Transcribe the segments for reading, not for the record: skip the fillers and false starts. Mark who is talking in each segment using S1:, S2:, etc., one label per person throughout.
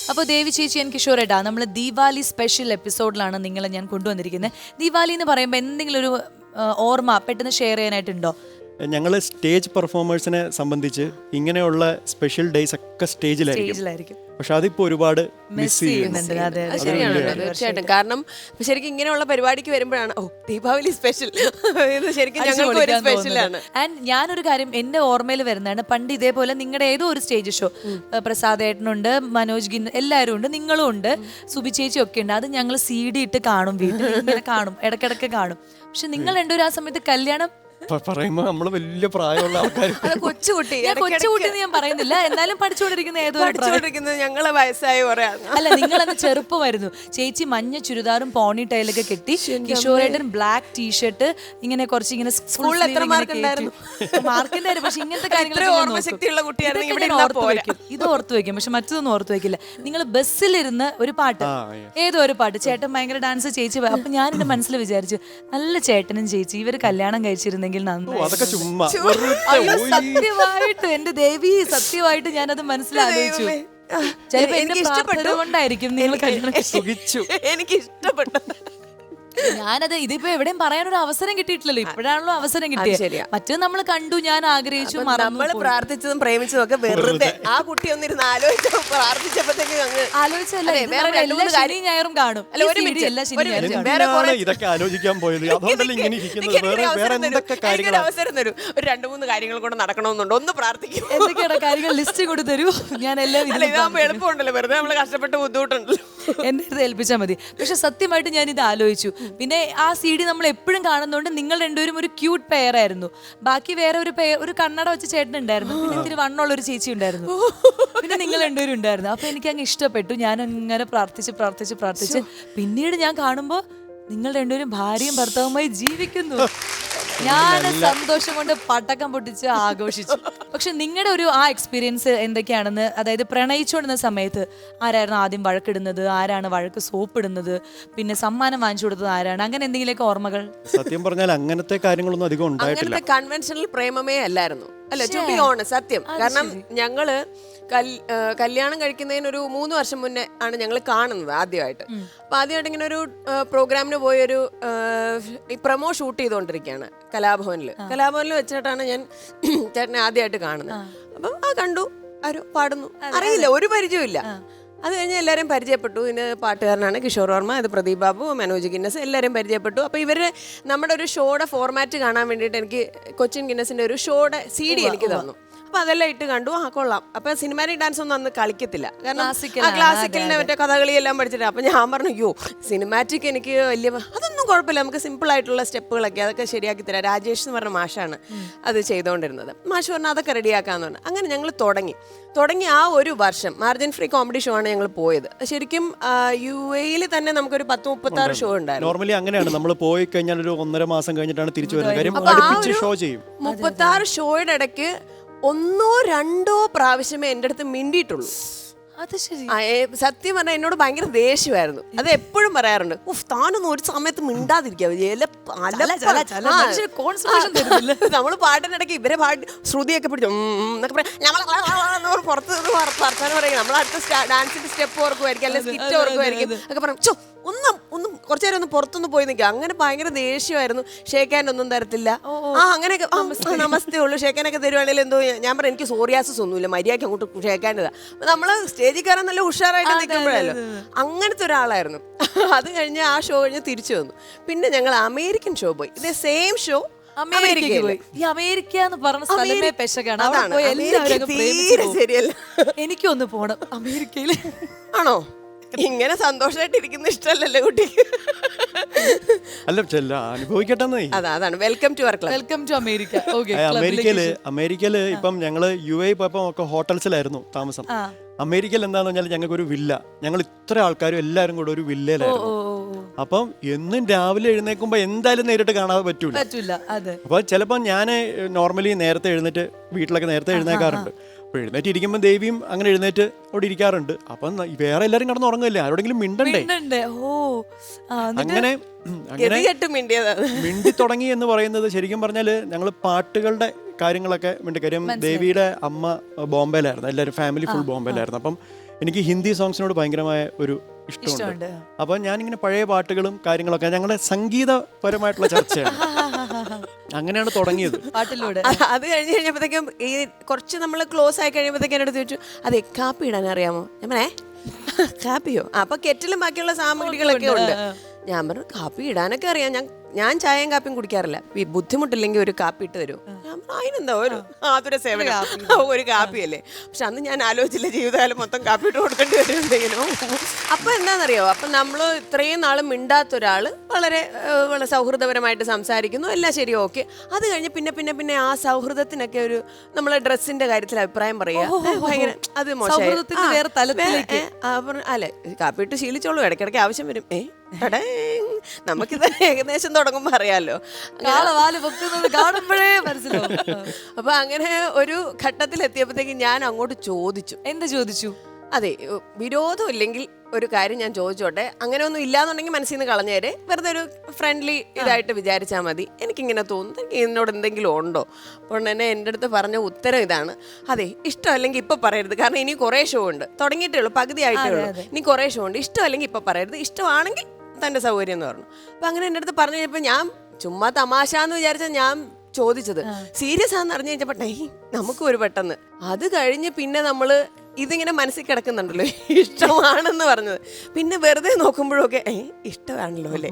S1: അപ്പോൾ ദേവി ചേച്ചി എനിക്ക് ഷുവറായിട്ടാ നമ്മൾ ദീപാവലി സ്പെഷ്യൽ എപ്പിസോഡിലാണ് നിങ്ങളെ ഞാൻ കൊണ്ടുവന്നിരിക്കുന്നത്. ദീപാവലി എന്ന് പറയുമ്പോൾ എന്തെങ്കിലും ഒരു ഓർമ്മ പെട്ടെന്ന് ഷെയർ ചെയ്യാനായിട്ടുണ്ടോ?
S2: ഞങ്ങൾ സ്റ്റേജ് പെർഫോമേഴ്സിനെ സംബന്ധിച്ച് ഇങ്ങനെയുള്ള സ്പെഷ്യൽ ഡേയ്സ് ഒക്കെ സ്റ്റേജിലായിരിക്കും. പക്ഷെ അതിപ്പോ ഒരുപാട് മിസ് ചെയ്യുന്നുണ്ട്.
S3: ശരിയാണ്, തീർച്ചയായിട്ടും. കാരണം ശരിക്കും ഇങ്ങനെയുള്ള പരിപാടിക്ക് വരുമ്പോഴാണ് ദീപാവലി സ്പെഷ്യൽ ശരിക്കും ഞങ്ങൾക്ക് ഒരു സ്പെഷ്യലാണ്.
S1: ആൻഡ് ഞാനൊരു കാര്യം എന്റെ ഓർമ്മയിൽ വരുന്നതാണ്, പണ്ട് ഇതേപോലെ നിങ്ങളുടെ ഏതോ ഒരു സ്റ്റേജ് ഷോ പ്രസാദ് ഏട്ടനുണ്ട്, മനോജ് ഗിൻ എല്ലാവരും ഉണ്ട്, നിങ്ങളും ഉണ്ട്, സുബി ചേച്ചി ഒക്കെ ഉണ്ട്. അത് ഞങ്ങൾ CD ഇട്ട് കാണും, വീട്ടിൽ ഇങ്ങനെ കാണും, ഇടയ്ക്കിടയ്ക്ക് കാണും. പക്ഷെ നിങ്ങൾ രണ്ടുപേരും ആ സമയത്ത് കല്യാണം
S2: പറയുമ്പോ നമ്മള് വലിയ പ്രായമുള്ള ആൾക്കാർ,
S3: കൊച്ചുകുട്ടി
S1: ഞാൻ പറയുന്നില്ല, എന്നാലും പഠിച്ചുകൊണ്ടിരിക്കുന്ന ഏതോ
S3: ഞങ്ങളെ വയസ്സായ കുറെ.
S1: അല്ല, നിങ്ങളന്ന് ചെറുപ്പമായിരുന്നു. ചേച്ചി മഞ്ഞ ചുരിദാറും പോണി ടൈലൊക്കെ കെട്ടി, കിഷോറേട്ടൻ ബ്ലാക്ക് ടീഷർട്ട്, ഇങ്ങനെ കുറച്ച് ഇങ്ങനെ
S3: സ്കൂളിൽ എത്ര മാർക്കുണ്ടായിരുന്നു?
S1: മാർക്കിന്റെ പക്ഷെ ഇങ്ങനത്തെ
S3: ഓർമ്മശക്തിയുള്ള കുട്ടിയാണെങ്കിൽ
S1: ഇത് ഓർത്തു വെക്കും, പക്ഷെ മറ്റൊന്നും ഓർത്തു വെക്കില്ല. നിങ്ങൾ ബസ്സിലിരുന്ന് ഒരു പാട്ട്, ഏതോ ഒരു പാട്ട്, ചേട്ടൻ ഭയങ്കര ഡാൻസ്, ചേച്ചി. അപ്പൊ ഞാൻ എന്റെ മനസ്സിൽ വിചാരിച്ചു, നല്ല ചേട്ടനും ചേച്ചി ഇവര് കല്യാണം കഴിച്ചിരുന്നെങ്കിൽ സത്യമായിട്ട് എന്റെ ദേവി, സത്യമായിട്ട് ഞാനത് മനസ്സിലാലോചിച്ചു. ചിലപ്പോ എന്റെ പ്രാർത്ഥനകൊണ്ടായിരിക്കും നിങ്ങൾ കല്യാണം.
S3: എനിക്ക് ഇഷ്ടപ്പെട്ടു.
S1: ഞാനത് ഇതിപ്പോ എവിടെയും പറയാനൊരു അവസരം കിട്ടിയിട്ടില്ലല്ലോ, ഇപ്പോഴാണല്ലോ അവസരം കിട്ടിയത്. മറ്റേ നമ്മൾ കണ്ടു, ഞാൻ ആഗ്രഹിച്ചു,
S3: നമ്മൾ പ്രാർത്ഥിച്ചതും പ്രേമിച്ചതും ഒക്കെ വെറുതെ. ആ കുട്ടി ഒന്നിരുന്ന് ആലോചിച്ചു, പ്രാർത്ഥിച്ചപ്പോഴത്തേക്ക്
S1: ശനി ഞായറും കാണും.
S2: ഇതൊക്കെ ആലോചിക്കാൻ പോയത്
S3: അവസരം തരൂ, ഒരു 2-3 കാര്യങ്ങൾ കൂടെ നടക്കണമെന്നുണ്ട്, ഒന്ന് പ്രാർത്ഥിക്കും.
S1: എന്തൊക്കെയാണ് കാര്യങ്ങൾ ലിസ്റ്റ് കൂടി തരൂ, ഞാൻ എല്ലാം
S3: എളുപ്പമുണ്ടല്ലോ, വെറുതെ നമ്മള് കഷ്ടപ്പെട്ട് ബുദ്ധിമുട്ടുണ്ടല്ലോ,
S1: എന്റെ അടുത്ത് ഏൽപ്പിച്ചാൽ മതി. പക്ഷെ സത്യമായിട്ട് ഞാൻ ഇത് ആലോചിച്ചു. പിന്നെ ആ CD നമ്മൾ എപ്പോഴും കാണുന്നതുകൊണ്ട് നിങ്ങൾ രണ്ടുപേരും ഒരു ക്യൂട്ട് പെയർ ആയിരുന്നു. ബാക്കി വേറെ ഒരു കണ്ണട വെച്ച ചേട്ടൻ ഉണ്ടായിരുന്നു, പിന്നെ ഇത്തിരി വണ്ണുള്ള ഒരു ചേച്ചി ഉണ്ടായിരുന്നു, പിന്നെ നിങ്ങൾ രണ്ടുപേരും ഉണ്ടായിരുന്നു. അപ്പൊ എനിക്ക് അങ്ങ് ഇഷ്ടപ്പെട്ടു. ഞാൻ അങ്ങനെ പ്രാർത്ഥിച്ച് പിന്നീട് ഞാൻ കാണുമ്പോ നിങ്ങൾ രണ്ടുപേരും ഭാര്യയും ഭർത്താവുമായി ജീവിക്കുന്നു. ഞാൻ സന്തോഷം കൊണ്ട് പടക്കം പൊട്ടിച്ച് ആഘോഷിച്ചു. പക്ഷെ നിങ്ങളുടെ ഒരു ആ എക്സ്പീരിയൻസ് എന്തൊക്കെയാണെന്ന്, അതായത് പ്രണയിച്ചുകൊണ്ടിരുന്ന സമയത്ത് ആരായിരുന്നു ആദ്യം വഴക്കിടുന്നത്, ആരാണ് വഴക്ക് സോപ്പിടുന്നത്, പിന്നെ സമ്മാനം വാങ്ങിച്ചു കൊടുത്തത് ആരാണ്, അങ്ങനെ എന്തെങ്കിലുമൊക്കെ ഓർമ്മകൾ?
S2: സത്യം പറഞ്ഞാൽ അങ്ങനത്തെ കാര്യങ്ങളൊന്നും അധികം ഉണ്ടായിട്ടില്ല.
S3: അങ്ങനത്തെ കൺവെൻഷണൽ പ്രേമമേ അല്ലായിരുന്നു, അല്ല, ടു ബി ഓണസ്റ്റ്, സത്യം. കാരണം ഞങ്ങള് കല്യാണം കഴിക്കുന്നതിന് ഒരു 3 വർഷം മുന്നേ ആണ് ഞങ്ങൾ കാണുന്നത് ആദ്യമായിട്ട്. അപ്പൊ ആദ്യമായിട്ട് ഇങ്ങനെ ഒരു പ്രോഗ്രാമിന് പോയൊരു പ്രൊമോ ഷൂട്ട് ചെയ്തുകൊണ്ടിരിക്കുകയാണ് കലാഭവനിൽ വെച്ചിട്ടാണ് ഞാൻ ചേട്ടനെ ആദ്യമായിട്ട് കാണുന്നത്. അപ്പം കണ്ടു, ആരോ പാടുന്നു, അറിയില്ല, ഒരു പരിചയമില്ല. അത് കഴിഞ്ഞ് എല്ലാവരെയും പരിചയപ്പെട്ടു. ഇതിന് പാട്ടുകാരനാണ് കിഷോർ വർമ്മ, ഇത് പ്രദീപ് ബാബു, മനോജ് ഗിന്നസ്, എല്ലാവരെയും പരിചയപ്പെട്ടു. അപ്പോൾ ഇവര് നമ്മുടെ ഒരു ഷോയുടെ ഫോർമാറ്റ് കാണാൻ വേണ്ടിയിട്ട് എനിക്ക് കൊച്ചിൻ ഗിന്നസിന്റെ ഒരു ഷോയുടെ CD എനിക്ക് തന്നു. അപ്പൊ അതെല്ലാം ഇട്ട് കണ്ടു, കൊള്ളാം. അപ്പൊ സിനിമാറ്റിക് ഡാൻസ് ഒന്നും അന്ന് കളിക്കത്തില്ല, കാരണം ക്ലാസിക്കലിന്റെ മറ്റേ കഥകളി എല്ലാം പഠിച്ചിട്ട്. അപ്പൊ ഞാൻ പറഞ്ഞു, അയ്യോ സിനിമാറ്റിക് എനിക്ക് വലിയ, അതൊന്നും കുഴപ്പമില്ല, നമുക്ക് സിമ്പിൾ ആയിട്ടുള്ള സ്റ്റെപ്പുകളൊക്കെ അതൊക്കെ ശരിയാക്കി തരാം. രാജേഷ് എന്ന് പറഞ്ഞ മാഷാണ് അത് ചെയ്തുകൊണ്ടിരുന്നത്. മാഷ് പറഞ്ഞാൽ അതൊക്കെ റെഡിയാക്കാന്ന് പറഞ്ഞു. അങ്ങനെ ഞങ്ങൾ തുടങ്ങി ആ ഒരു വർഷം മാർജിൻ ഫ്രീ കോമഡി ഷോ ആണ് ഞങ്ങൾ പോയത്. ശരിക്കും UAE തന്നെ നമുക്കൊരു 10-36 ഷോ ഉണ്ടായിരുന്നു.
S2: നോർമലി അങ്ങനെയാണ്, നമ്മൾ പോയി കഴിഞ്ഞാൽ ഒരു 1.5 മാസം കഴിഞ്ഞിട്ടാണ് തിരിച്ചു വരുന്നത്. കാര്യം ഷോ ചെയ്യും.
S3: 36 ഷോയുടെ ഇടയ്ക്ക് 1-2 പ്രാവശ്യമേ എൻ്റെ അടുത്ത് മിണ്ടിയിട്ടുള്ളൂ.
S1: അത് ശരി.
S3: സത്യം പറഞ്ഞാൽ എന്നോട് ഭയങ്കര ദേഷ്യമായിരുന്നു. അത് എപ്പോഴും പറയാറുണ്ട്, താനൊന്നും ഒരു സമയത്ത് മിണ്ടാതിരിക്കാവൂ, നമ്മള് പാട്ടിനിടയ്ക്ക് ഇവരെ പാട്ട് ശ്രുതിയൊക്കെ പിടിച്ചു എന്നൊക്കെ പറയാം, പുറത്ത് വർത്താനം പറയും. നമ്മൾ അടുത്ത ഡാൻസിന്റെ സ്റ്റെപ്പ് ഓർക്കുമായിരിക്കും, അല്ലെങ്കിൽ സ്കിറ്റ് ഓർക്കുമായിരിക്കും, ഒക്കെ പറയും, ഒന്നും കുറച്ചു നേരം ഒന്ന് പുറത്തൊന്ന് പോയി നിൽക്കുക. അങ്ങനെ ഭയങ്കര ദേഷ്യമായിരുന്നു. ഷേക്കാൻ ഒന്നും തരത്തില്ല. അങ്ങനെയൊക്കെ നമസ്തേ ഉള്ളൂ, ഷേക്കാനൊക്കെ തരുവാണെങ്കിൽ എന്തോ. ഞാൻ പറഞ്ഞു, എനിക്ക് സോറിയാസിസ് ഒന്നുമില്ല, മര്യാദയ്ക്ക് അങ്ങോട്ട് ഷേക്കാൻ്റെതാ. നമ്മള് സ്റ്റേജിൽ കയറാൻ നല്ല ഉഷാറായിട്ട് നിൽക്കുമ്പോഴല്ലോ. അങ്ങനത്തെ ഒരാളായിരുന്നു. അത് കഴിഞ്ഞ് ആ ഷോ കഴിഞ്ഞ് തിരിച്ചു വന്നു. പിന്നെ ഞങ്ങൾ അമേരിക്കൻ ഷോ പോയി. ഇതേ സെയിം ഷോ
S1: അമേരിക്ക എന്ന് പറഞ്ഞ സ്ഥലമേ പെശകാണ്.
S3: ശരിയല്ല,
S1: എനിക്കൊന്ന് പോണം അമേരിക്കയില്.
S3: ആണോ? ഇങ്ങനെ സന്തോഷമായിട്ട് ഇരിക്കുന്ന ഇഷ്ടമല്ലല്ലോ കുട്ടിക്ക്.
S2: അല്ല, അനുഭവിക്കട്ടെ.
S3: അതാണ് welcome to our club,
S1: welcome to America.
S2: അമേരിക്കയില് ഇപ്പം ഞങ്ങള് UAE പോയപ്പോ ഒക്കെ ഹോട്ടൽസിലായിരുന്നു താമസം. അമേരിക്കയിൽ എന്താന്ന് പറഞ്ഞാൽ ഞങ്ങൾക്ക് ഒരു വില്ല, ഞങ്ങൾ ഇത്ര ആൾക്കാരും എല്ലാരും കൂടെ ഒരു വില്ലയിലായിരുന്നു. അപ്പം എന്നും രാവിലെ എഴുന്നേൽക്കുമ്പോ എന്തായാലും നേരിട്ട് കാണാതെ പറ്റൂല. അപ്പൊ ചിലപ്പോ ഞാൻ നോർമലി നേരത്തെ എഴുന്നേറ്റ് വീട്ടിലൊക്കെ നേരത്തെ എഴുന്നേക്കാറുണ്ട്. അപ്പോൾ എഴുന്നേറ്റ് ഇരിക്കുമ്പോൾ ദേവിയും അങ്ങനെ എഴുന്നേറ്റ് അവിടെ ഇരിക്കാറുണ്ട്. അപ്പം വേറെ എല്ലാവരും കിടന്ന് ഉറങ്ങില്ലേ, ആരോടെങ്കിലും മിണ്ടണ്ടേ. അങ്ങനെ മിണ്ടി തുടങ്ങി എന്ന് പറയുന്നത് ശരിക്കും പറഞ്ഞാൽ ഞങ്ങൾ പാട്ടുകളുടെ കാര്യങ്ങളൊക്കെ മിണ്ടി. കാര്യം ദേവിയുടെ അമ്മ ബോംബെയിലായിരുന്നു, എല്ലാവരും ഫാമിലി ഫുൾ ബോംബെയിലായിരുന്നു. അപ്പം എനിക്ക് ഹിന്ദി സോങ്സിനോട് ഭയങ്കരമായ ഒരു ഇഷ്ടമുണ്ട്.
S1: ഇഷ്ടമുണ്ട്.
S2: അപ്പോൾ ഞാനിങ്ങനെ പഴയ പാട്ടുകളും കാര്യങ്ങളൊക്കെ ഞങ്ങളുടെ സംഗീതപരമായിട്ടുള്ള ചർച്ചയാണ്. അങ്ങനെയാണ് തുടങ്ങിയത്.
S1: പാട്ടിലൂടെ
S3: അത് കഴിഞ്ഞ് കഴിഞ്ഞപ്പോഴത്തേക്കും ഈ കുറച്ച് നമ്മൾ ക്ലോസ് ആയി കഴിയുമ്പോഴത്തേക്കും എന്നോട് ചോദിച്ചു, അതെ കാപ്പി ഇടാൻ അറിയാമോ? ഞാൻ പറഞ്ഞേ കാപ്പിയോ? അപ്പൊ കെറ്റിലും ബാക്കിയുള്ള സാമഗ്രികളൊക്കെ ഉണ്ട്. ഞാൻ പറഞ്ഞു കാപ്പി ഇടാനൊക്കെ അറിയാം, ഞാൻ ചായയും കാപ്പിയും കുടിക്കാറില്ല, ഈ ബുദ്ധിമുട്ടില്ലെങ്കിൽ ഒരു കാപ്പി ഇട്ട് തരും. ഞാൻ പറഞ്ഞു അതിനെന്താ ഒരു ആതുര സേവനം, ഒരു കാപ്പിയല്ലേ. പക്ഷെ അന്ന് ഞാൻ ആലോചിച്ചില്ല ജീവിതകാലം മൊത്തം കാപ്പി ഇട്ട് കൊടുക്കേണ്ടി വരും എന്തെങ്കിലും. അപ്പൊ എന്താണെന്നറിയോ, അപ്പൊ നമ്മൾ ഇത്രയും നാളും മിണ്ടാത്ത ഒരാൾ വളരെ വളരെ സൗഹൃദപരമായിട്ട് സംസാരിക്കുന്നു, എല്ലാം ശരി ഓക്കെ. അത് കഴിഞ്ഞ് പിന്നെ പിന്നെ പിന്നെ ആ സൗഹൃദത്തിനൊക്കെ ഒരു നമ്മളെ ഡ്രസ്സിന്റെ കാര്യത്തിൽ അഭിപ്രായം പറയുക ഭയങ്കര അത്
S1: സൗഹൃദത്തിന്റെ വേറെ തലത്തിലേക്ക്.
S3: അല്ലെ കാപ്പി ഇട്ട് ശീലിച്ചോളൂ, ഇടയ്ക്കിടയ്ക്ക് ആവശ്യം വരും. നമുക്കിത് ഏകദേശം തുടങ്ങുമ്പോ അറിയാലോ.
S1: കാണുമ്പോഴേ മനസ്സിലാവും.
S3: അപ്പൊ അങ്ങനെ ഒരു ഘട്ടത്തിൽ എത്തിയപ്പോഴത്തേക്ക് ഞാൻ അങ്ങോട്ട് ചോദിച്ചു.
S1: എന്ത് ചോദിച്ചു?
S3: അതെ, വിരോധം ഇല്ലെങ്കിൽ ഒരു കാര്യം ഞാൻ ചോദിച്ചോട്ടെ, അങ്ങനെ ഒന്നും ഇല്ലാന്നുണ്ടെങ്കിൽ മനസ്സിൽ നിന്ന് കളഞ്ഞേരെ, വെറുതെ ഒരു ഫ്രണ്ട്ലി ഇതായിട്ട് വിചാരിച്ചാൽ മതി, എനിക്കിങ്ങനെ തോന്നുന്നു, എനിക്ക് ഇതിനോട് എന്തെങ്കിലും ഉണ്ടോ? അപ്പോൾ തന്നെ എൻ്റെ അടുത്ത് പറഞ്ഞ ഉത്തരം ഇതാണ്, അതെ ഇഷ്ടമല്ലെങ്കിൽ ഇപ്പം പറയരുത്, കാരണം ഇനി കുറേ ഷോ ഉണ്ട്, തുടങ്ങിയിട്ടേ ഉള്ളൂ, പകുതി ആയിട്ടേ ഉള്ളൂ, ഇനി കുറേ ഷോ ഉണ്ട്, ഇഷ്ടമല്ലെങ്കിൽ ഇപ്പം പറയരുത്, ഇഷ്ടമാണെങ്കിൽ തൻ്റെ സൗകര്യം എന്ന് പറഞ്ഞു. അപ്പം അങ്ങനെ എൻ്റെ അടുത്ത് പറഞ്ഞു കഴിഞ്ഞപ്പോൾ ഞാൻ ചുമ്മാ തമാശ എന്ന് വിചാരിച്ചാൽ ഞാൻ ചോദിച്ചത് സീരിയസ് ആണെന്ന് അറിഞ്ഞു കഴിഞ്ഞപ്പോൾ നമുക്കും ഒരു പെട്ടെന്ന് അത് കഴിഞ്ഞ് പിന്നെ നമ്മൾ ഇതിങ്ങനെ മനസ്സിൽ കിടക്കുന്നുണ്ടല്ലോ ഇഷ്ടമാണെന്ന് പറഞ്ഞത്, പിന്നെ വെറുതെ നോക്കുമ്പോഴൊക്കെ ഇഷ്ടമാണല്ലോ അല്ലേ,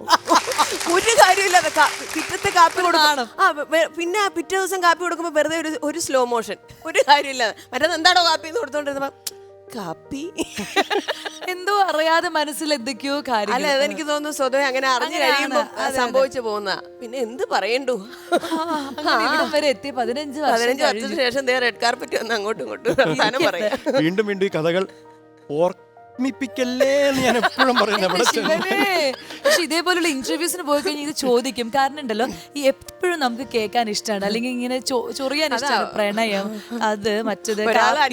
S3: ഒരു കാര്യമില്ലാതെ പിറ്റത്തെ കാപ്പി കൊടുക്കണം. പിന്നെ ആ പിറ്റേ ദിവസം കാപ്പി കൊടുക്കുമ്പോൾ വെറുതെ ഒരു സ്ലോ മോഷൻ, ഒരു കാര്യമില്ലാതെ. മറ്റേത് എന്താണോ കാപ്പി എന്ന് കൊടുത്തോണ്ടിരുന്നപ്പോ കാപ്പി
S1: എന്തോ അറിയാതെ മനസ്സിൽ എന്തൊക്കെയോ കാര്യം.
S3: അല്ല അതെനിക്ക് തോന്നുന്നു സ്വതവേ അങ്ങനെ അറിഞ്ഞു കഴിയുമ്പോൾ സംഭവിച്ചു പോകുന്ന. പിന്നെ എന്ത് പറയണ്ടു,
S1: വരെ എത്തി 15
S3: വർഷത്തിന് ശേഷം റെഡ് കാർപ്പറ്റ് വന്ന് അങ്ങോട്ടും ഇങ്ങോട്ടും വർത്താനം പറയാം.
S2: വീണ്ടും വീണ്ടും ഈ കഥകൾ ഓർമ്മിപ്പിക്കല്ലേ എന്ന് ഞാൻ എപ്പോഴും പറയുന്നത്.
S1: പക്ഷെ ഇതേപോലുള്ള ഇന്റർവ്യൂസിന് പോയി കഴിഞ്ഞാൽ ഇത് ചോദിക്കും. കാരണം ഉണ്ടല്ലോ, ഈ എപ്പോഴും നമുക്ക് കേൾക്കാൻ ഇഷ്ടമാണ്, അല്ലെങ്കിൽ ഇങ്ങനെ ചൊറിയാൻ ഇഷ്ടമാണ്, പ്രണയം അത് മറ്റത്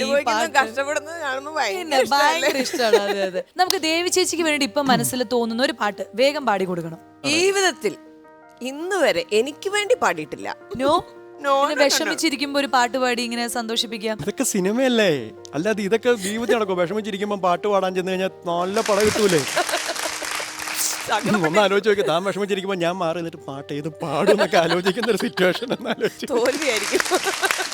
S1: ഭയങ്കര ഇഷ്ടമാണ്. അതെ അതെ. നമുക്ക് ദേവി ചേച്ചിക്ക് വേണ്ടി ഇപ്പൊ മനസ്സിൽ തോന്നുന്ന ഒരു പാട്ട് വേഗം പാടി കൊടുക്കണം.
S3: ജീവിതത്തിൽ ഇന്ന് വരെ എനിക്ക് വേണ്ടി പാടിയിട്ടില്ല.
S1: വിഷമിച്ചിരിക്കുമ്പോ ഒരു പാട്ട് പാടി ഇങ്ങനെ സന്തോഷിപ്പിക്കാം.
S2: ഇതൊക്കെ സിനിമയല്ലേ, അല്ലാതെ ഇതൊക്കെ ജീവിതത്തിൽ നടക്കും. വിഷമിച്ചിരിക്കുമ്പോ പാട്ട് പാടാൻ ചെന്ന് കഴിഞ്ഞാൽ നല്ല പടം കിട്ടൂലേ. ഒന്ന് ആലോചിച്ച് നോക്കി, താൻ വിഷമിച്ചിരിക്കുമ്പോ ഞാൻ മാറി നിന്നിട്ട് പാട്ട് ഏത് പാടും എന്നൊക്കെ ആലോചിക്കുന്ന ഒരു സിറ്റുവേഷൻ ഒന്ന് ആലോചിച്ചു.
S3: തോൽവിയായിരിക്കും.